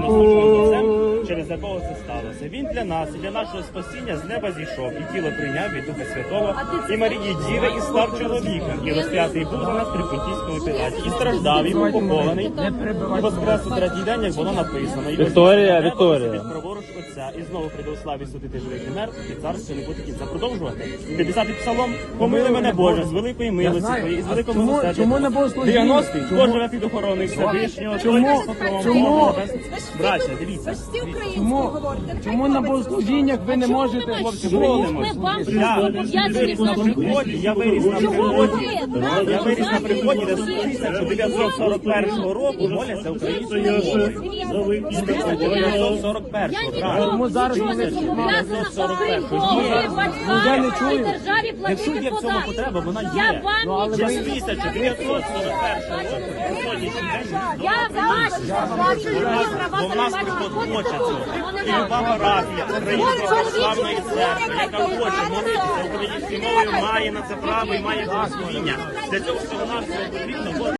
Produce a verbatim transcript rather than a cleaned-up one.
Отцем, через якого це сталося. Він для нас і для нашого спасіння з неба зійшов, і тіло прийняв від Духа Святого, і Марії Діви, і став чоловіком, і розп'ятий був за нас при Понтійському Пілаті, і страждав, і був похований, і воскрес у третій день, як було написано. І Вікторія, Вікторія. Праворуч Отця, і знову прийде у славі судити живих і мертвих, і царство не буде кінця. Продовжувати. п'ятдесятий псалом. Помили мене, Боже, з великої милості Твоєї, і з великого милосердя. Чому не богослужіння? дев'яностий. Хто живе під охороною Всевишнього? Чому? Чому? Браття, дивіться. Чому? Чому на богослужіннях ви не можете? Хлопці, молимось. Я виріс на приході, я виріс на приході, я виріс на приході, де з тисяча дев'ятсот сорок першого року моляться українською мовою. З тисяча дев'ятсот сорок першого, правильно. Тому зараз ми не Я не чую. Якщо є в цьому потреба, вона є. Вже з тисяча дев'ятсот сорок першого року по сьогоднішній день Я бачу, бо в нас приходить моча цього. І люба парафія Української православної церкви, яка хоче молитися українською мовою, має на це право і має благословіння. Для цього всього нам потрібно